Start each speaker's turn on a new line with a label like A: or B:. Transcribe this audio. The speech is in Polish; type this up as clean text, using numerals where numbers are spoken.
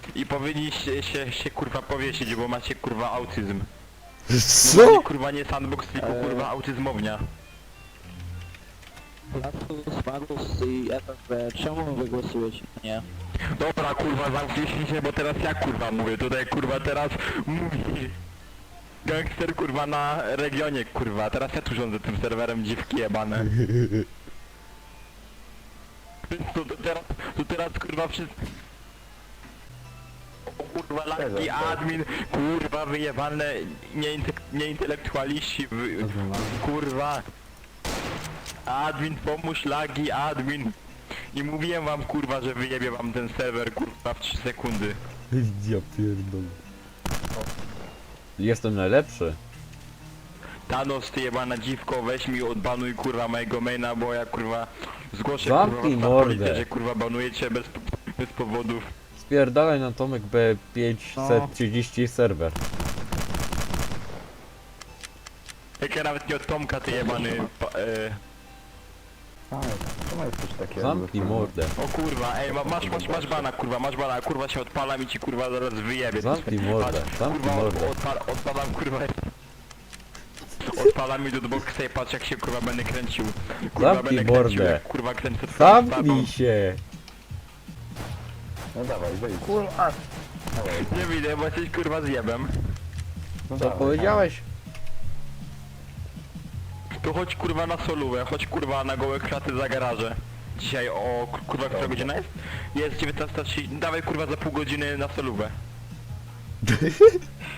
A: I powinniście się kurwa powiesić, bo macie kurwa autyzm.
B: Co?
A: Macie, kurwa nie sandbox, tylko kurwa autyzmownia.
C: Latus, Magus i FFB, czemu wy głosujecie? Nie.
A: Dobra kurwa, zamknijcie się, bo teraz ja kurwa mówię. Tutaj kurwa teraz mówi gangster kurwa na regionie kurwa. Teraz ja tu rządzę tym serwerem, dziwki jebane. To teraz kurwa wszyscy... O kurwa laki admin, kurwa wyjebane nieintelektualiści, kurwa. Admin pomóż lagi, admin. I mówiłem wam kurwa, że wyjebie wam ten serwer kurwa w 3 sekundy.
B: Ja pierdolę. Jestem najlepszy.
A: Thanos, ty jebana dziwko, weź mi odbanuj kurwa mojego maina, bo ja kurwa zgłoszę
B: Zamknij
A: kurwa
B: mordę.
A: policję, że kurwa banujecie bez powodów.
B: Spierdalaj na Tomek B530 serwer.
A: Jak ja nawet nie od Tomka, ty jebany
D: To ma jest coś takiego.
B: Zamknij mordę.
A: O kurwa, ej, masz bana kurwa się odpalam i ci kurwa zaraz wyjebie.
B: Zamknij mordę,
A: Patrz,
B: zamknij
A: kurwa,
B: mordę.
A: odpalam kurwa. Odpalam mi do boxa i patrz jak się kurwa będę kręcił. Kurwa
B: Zamknij
A: będę kręcił,
B: mordę.
A: jak, kurwa kręcę twoją
B: Zamknij się!
D: No dawaj, wyjdź.
C: Kurwa!
D: Dawaj.
A: stawą. Nie widzę, bo jesteś kurwa zjebem.
D: No
B: Co
D: dawaj,
B: powiedziałeś?
A: To chodź kurwa na solówę, chodź kurwa na gołe kraty za garaże. Dzisiaj o kurwa która godzina jest? Jest 19:30, dawaj kurwa za pół godziny na solówę.